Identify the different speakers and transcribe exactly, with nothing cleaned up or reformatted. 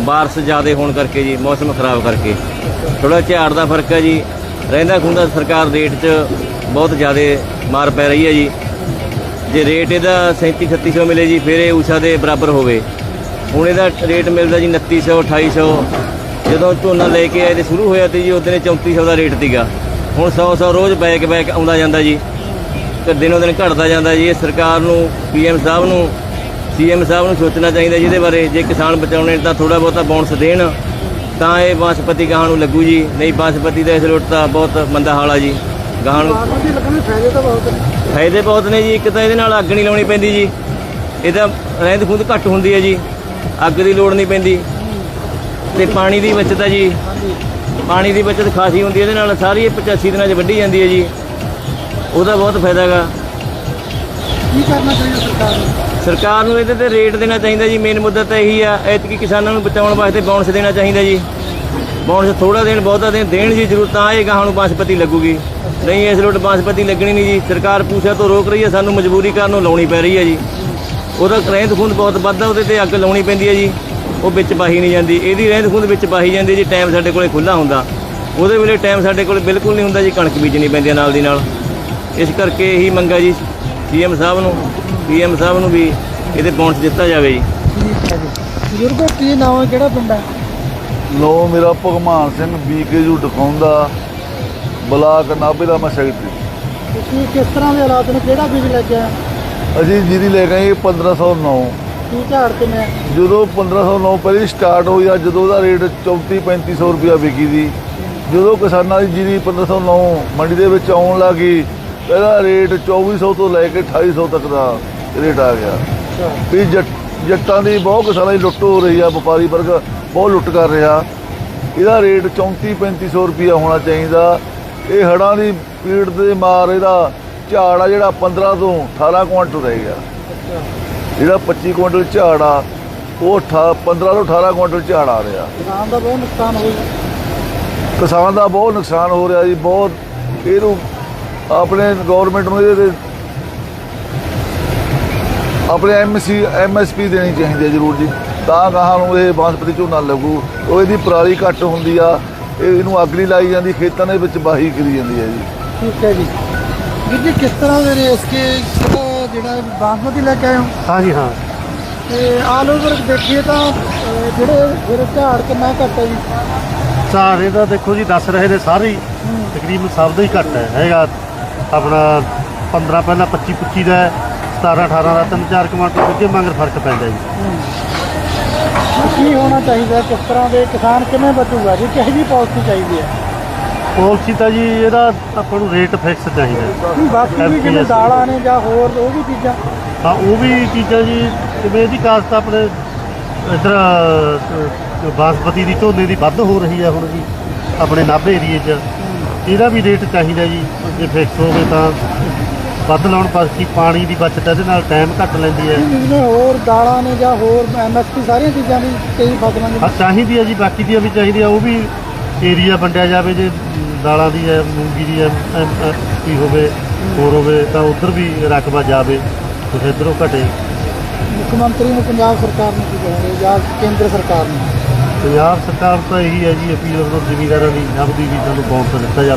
Speaker 1: बारिश ज़्यादा होने करके जी मौसम खराब करके थोड़ा झाड़ का फर्क है जी। रहिंदा खुंदा सरकार रेट च बहुत ज़्यादा मार पै रही है जी। जे रेट इहदा सैंती छत्ती सौ मिले जी फिर ये ऊषा के बराबर होवे। हुण इहदा रेट मिलता जी उनती सौ अठाई सौ। जो झोना लेके आए तो शुरू होया ती जी उस दिन चौंती सौ का रेट सीगा। हुण सौ सौ रोज़ बैक बैक आउंदा जांदा जी, तो दिनों दिन घटता जाता जी। सरकार नूं पी एम साहब नूं सी एम साहब नूं सोचना चाहिए जिहदे बारे। जे किसान बचाउणे तो थोड़ा बहुता बोनस देण तां ये बासपति गाहां नूं लगू जी। नहीं बासपति का इस लुट तो बहुत मंदा हाल आ जी। गाहां नूं फायदे बहुत ने जी। एक तो ये अग नहीं लाउणी पैंदी जी, इहदा रहंद खूंद घट हुंदी है जी, अग की लोड़ नहीं पैंदी। ते पानी की बचत है जी, पानी की बचत खासी होंदी है। इहदे सारी पचासी दिन वड्ढी जाती है जी, ਉਹਦਾ बहुत फायदा गा।
Speaker 2: ਕੀ ਕਰਨਾ ਚਾਹੀਦਾ ਸਰਕਾਰ ਨੂੰ?
Speaker 1: सरकार ਨੂੰ ਇਹਦੇ ਤੇ ਰੇਟ ਦੇਣਾ ਚਾਹੀਦਾ ਜੀ। ਮੇਨ ਮੁੱਦਾ ਤਾਂ ਇਹੀ ਆ। ਐਤਕੀ ਕਿਸਾਨਾਂ ਨੂੰ ਬਚਾਉਣ ਵਾਸਤੇ ਬੋਨਸ ਦੇਣਾ ਚਾਹੀਦਾ ਜੀ। ਬੋਨਸ ਥੋੜਾ ਦੇਣ ਬਹੁਤਾ ਦੇਣ ਦੇਣ ਜੀ ਜ਼ਰੂਰ, ਤਾਂ ਇਹ ਗਾਹਾਂ ਨੂੰ ਬਾਸਪਤੀ ਲੱਗੂਗੀ। ਨਹੀਂ ਇਸ ਲੋਟ ਬਾਸਪਤੀ ਲੱਗਣੀ ਨਹੀਂ ਜੀ। ਸਰਕਾਰ ਪੂਛਾ ਤੋਂ ਰੋਕ ਰਹੀ ਹੈ, ਸਾਨੂੰ ਮਜਬੂਰੀ ਕਾਰਨ ਉਹ ਲਾਉਣੀ ਪੈ ਰਹੀ ਹੈ ਜੀ। ਉਹਦਾ ਰਹਿੰਦ ਖੂੰਦ ਬਹੁਤ ਵੱਧਦਾ, ਉਹਦੇ ਤੇ ਅੱਗ ਲਾਉਣੀ ਪੈਂਦੀ ਹੈ ਜੀ। ਉਹ ਵਿੱਚ ਬਾਹੀ ਨਹੀਂ ਜਾਂਦੀ, ਇਹਦੀ ਰਹਿੰਦ ਖੂੰਦ ਵਿੱਚ ਬਾਹੀ ਜਾਂਦੀ ਜੀ। ਟਾਈਮ ਸਾਡੇ ਕੋਲੇ ਖੁੱਲ੍ਹਾ ਹੁੰਦਾ, ਉਹਦੇ ਵੇਲੇ ਟਾਈਮ ਸਾਡੇ ਕੋਲ ਬਿਲਕੁਲ ਨਹੀਂ ਹੁੰਦਾ ਜੀ। ਕਣਕ ਬੀਜਣੀ ਪੈਂਦੀ ਹੈ ਨਾਲ ਦੀ ਨਾਲ। ਇਸ ਕਰਕੇ ਇਹੀ ਮੰਗਾ ਜੀ ਸੀ ਐਮ ਸਾਹਿਬ ਨੂੰ ਪੀ ਐਮ ਸਾਹਿਬ ਨੂੰ ਵੀ ਇਹਦੇ ਬੋਨਸ ਦਿੱਤਾ ਜਾਵੇ ਜੀ।
Speaker 2: ਠੀਕ ਹੈ ਜੀ। ਬਜ਼ੁਰਗੋ ਕੀ ਨਾਮ ਹੈ, ਕਿਹੜਾ ਪਿੰਡ ਹੈ?
Speaker 3: ਲੋ ਮੇਰਾ Bhagwan Singh B K U ਦਿਖਾਉਂਦਾ ਬਲਾਕ ਨਾਭੇ ਦਾ ਮੈਂ ਸੈਕਟਰੀ।
Speaker 2: ਤੁਸੀਂ ਕਿਸ ਤਰ੍ਹਾਂ ਦੇ ਹਾਲਾਤ ਨੇ, ਕਿਹੜਾ ਬੀਜ ਲੈ ਕੇ ਆਏ?
Speaker 3: ਅਸੀਂ ਜੀਰੀ ਲੈ ਗਏ ਪੰਦਰਾਂ ਸੌ ਨੌ।
Speaker 2: ਕੀ ਝਾੜ ਕਿਵੇਂ?
Speaker 3: ਜਦੋਂ ਪੰਦਰਾਂ ਸੌ ਨੌ ਪਹਿਲੀ ਸਟਾਰਟ ਹੋਈ ਆ, ਜਦੋਂ ਉਹਦਾ ਰੇਟ ਚੌਂਤੀ ਪੈਂਤੀ ਸੌ ਰੁਪਇਆ ਵਿਕੀ ਦੀ। ਜਦੋਂ ਕਿਸਾਨਾਂ ਦੀ ਜੀਰੀ ਪੰਦਰਾਂ ਸੌ ਨੌ ਮੰਡੀ ਦੇ ਵਿੱਚ ਆਉਣ ਲੱਗੀ, ਇਹਦਾ ਰੇਟ ਚੌਵੀ ਸੌ ਤੋਂ ਲੈ ਕੇ ਅਠਾਈ ਸੌ ਤੱਕ ਦਾ ਰੇਟ ਆ ਗਿਆ। ਵੀ ਜੱਟ ਜੱਟਾਂ ਦੀ ਬਹੁਤ ਕਿਸਾਨਾਂ ਦੀ ਲੁੱਟ ਹੋ ਰਹੀ ਆ, ਵਪਾਰੀ ਵਰਗ ਬਹੁਤ ਲੁੱਟ ਕਰ ਰਿਹਾ। ਇਹਦਾ ਰੇਟ ਚੌਂਤੀ ਪੈਂਤੀ ਸੌ ਰੁਪਇਆ ਹੋਣਾ ਚਾਹੀਦਾ। ਇਹ ਹੜ੍ਹਾਂ ਦੀ ਪੀੜ ਦੇ ਮਾਰ ਇਹਦਾ ਝਾੜ ਆ ਜਿਹੜਾ ਪੰਦਰਾਂ ਤੋਂ ਅਠਾਰਾਂ ਕੁਇੰਟਲ ਰਹਿ ਗਿਆ। ਜਿਹੜਾ ਪੱਚੀ ਕੁਇੰਟਲ ਝਾੜ ਆ ਉਹ ਅਠਾ ਪੰਦਰਾਂ ਤੋਂ ਅਠਾਰਾਂ ਕੁਇੰਟਲ ਝਾੜ ਆ ਰਿਹਾ।
Speaker 2: ਕਿਸਾਨ ਦਾ ਬਹੁਤ ਨੁਕਸਾਨ ਹੋ ਗਿਆ।
Speaker 3: ਕਿਸਾਨ ਦਾ ਬਹੁਤ ਨੁਕਸਾਨ ਹੋ ਰਿਹਾ ਜੀ, ਬਹੁਤ। ਇਹਨੂੰ ਆਪਣੇ ਗੌਰਮੈਂਟ ਨੂੰ ਇਹਦੇ ਤੇ ਆਪਣੇ M C M S P ਦੇਣੀ ਚਾਹੀਦੀ ਹੈ ਜ਼ਰੂਰ ਜੀ, ਤਾਂ ਗਾਹਾਂ ਨੂੰ ਇਹ ਬਾਸਪਤੀ ਝੋਨਾ ਲੱਗੂ। ਉਹ ਇਹਦੀ ਪਰਾਲੀ ਘੱਟ ਹੁੰਦੀ ਆ, ਇਹ ਇਹਨੂੰ ਅੱਗ ਨਹੀਂ ਲਾਈ ਜਾਂਦੀ, ਖੇਤਾਂ ਦੇ ਵਿੱਚ ਵਾਹੀ ਕਰੀ ਜਾਂਦੀ ਹੈ ਜੀ।
Speaker 2: ਠੀਕ ਹੈ ਜੀ। ਵੀਰ ਜੀ ਕਿਸ ਤਰ੍ਹਾਂ ਦੇ ਨੇ ਇਸਕੇ ਜਿਹੜਾ ਬਾਸਮਤੀ ਲੈ ਕੇ ਆਏ ਹੋ?
Speaker 4: ਹਾਂਜੀ ਹਾਂ।
Speaker 2: ਤੇ ਆਲ ਓਵਰ ਦੇਖੀਏ ਤਾਂ ਅਹ, ਜਿਹੜੇ ਫਿਰ ਝਾੜ ਕਿੰਨਾ ਘੱਟ ਹੈ ਜੀ?
Speaker 4: ਝਾੜ ਇਹਦਾ ਦੇਖੋ ਜੀ ਦੱਸ ਰਹੇ ਨੇ ਸਾਰੇ ਹੀ ਤਕਰੀਬਨ ਸਭ ਦਾ ਹੀ ਘੱਟ ਹੈ। ਹੈਗਾ ਆਪਣਾ ਪੰਦਰਾਂ ਪਹਿਲਾਂ ਪੱਚੀ ਪੱਚੀ ਦਾ, ਸਤਾਰਾਂ ਅਠਾਰਾਂ ਦਾ, ਤਿੰਨ ਚਾਰ ਕੁਆਂਟਲ ਅੱਗੇ ਮੰਗਰ ਫਰਕ ਪੈਂਦਾ ਜੀ।
Speaker 2: ਕੀ ਹੋਣਾ ਚਾਹੀਦਾ, ਕਿਸ ਤਰ੍ਹਾਂ ਦੇ ਕਿਸਾਨ ਕਿਵੇਂ ਬਚੂਗਾ ਜੀ? ਕਿਹੋ ਜਿਹੀ ਪਾਲਿਸੀ ਚਾਹੀਦੀ ਹੈ?
Speaker 4: ਪਾਲਿਸੀ ਤਾਂ ਜੀ ਇਹਦਾ ਆਪਾਂ ਨੂੰ ਰੇਟ ਫਿਕਸ ਚਾਹੀਦਾ।
Speaker 2: ਬਾਕੀ ਵੀ ਜਿਵੇਂ ਦਾਲਾਂ ਨੇ ਜਾਂ ਹੋਰ ਉਹ ਵੀ ਚੀਜ਼ਾਂ?
Speaker 4: ਹਾਂ ਉਹ ਵੀ ਚੀਜ਼ਾਂ ਜੀ, ਜਿਵੇਂ ਇਹਦੀ ਕਾਸ਼ਤ ਆਪਣੇ ਇੱਧਰ ਬਾਸਪਤੀ ਦੀ ਝੋਨੇ ਦੀ ਵੱਧ ਹੋ ਰਹੀ ਹੈ ਹੁਣ ਜੀ ਆਪਣੇ ਨਾਭੇ ਏਰੀਏ 'ਚ। ਇਹਦਾ ਵੀ ਰੇਟ ਚਾਹੀਦਾ ਜੀ, ਜੇ ਫਿਕਸ ਹੋਵੇ ਤਾਂ ਵੱਧ ਲਾਉਣ। ਬਾਕੀ ਪਾਣੀ ਦੀ ਬਚਤ ਇਹਦੇ ਨਾਲ ਟਾਈਮ ਘੱਟ ਲੈਂਦੀ ਹੈ।
Speaker 2: ਜਿਵੇਂ ਹੋਰ ਦਾਲਾਂ ਨੇ ਜਾਂ ਹੋਰ ਐਮ ਐਸ ਪੀ ਸਾਰੀਆਂ ਚੀਜ਼ਾਂ ਦੀ ਕਈ ਫਸਲਾਂ ਦੀ
Speaker 4: ਹਾਂ ਚਾਹੀਦੀ ਹੈ ਜੀ, ਬਾਕੀ ਦੀਆਂ ਵੀ ਚਾਹੀਦੀ ਆ। ਉਹ ਵੀ ਏਰੀਆ ਵੰਡਿਆ ਜਾਵੇ, ਜੇ ਦਾਲਾਂ ਦੀ ਹੈ, ਮੂੰਗੀ ਦੀ ਐਮ ਪੀ ਹੋਵੇ, ਹੋਰ ਹੋਵੇ ਤਾਂ ਉੱਧਰ ਵੀ ਰਕਬਾ ਜਾਵੇ, ਕੁਛ ਇੱਧਰੋਂ ਘਟੇ।
Speaker 2: ਮੁੱਖ ਮੰਤਰੀ ਨੂੰ ਪੰਜਾਬ ਸਰਕਾਰ ਨੂੰ ਕੀ ਕਹੋਗੇ ਜਾਂ ਕੇਂਦਰ ਸਰਕਾਰ ਨੂੰ?
Speaker 4: ਪੰਜਾਬ ਸਰਕਾਰ ਤਾਂ ਇਹੀ ਹੈ ਜੀ, ਅਪੀਲ ਜ਼ਿਮੀਂਦਾਰਾਂ ਦੀ ਨਬਦੀ ਵੀ ਸਾਨੂੰ ਬੋਨਸ ਦਿੱਤਾ ਜਾਵੇ।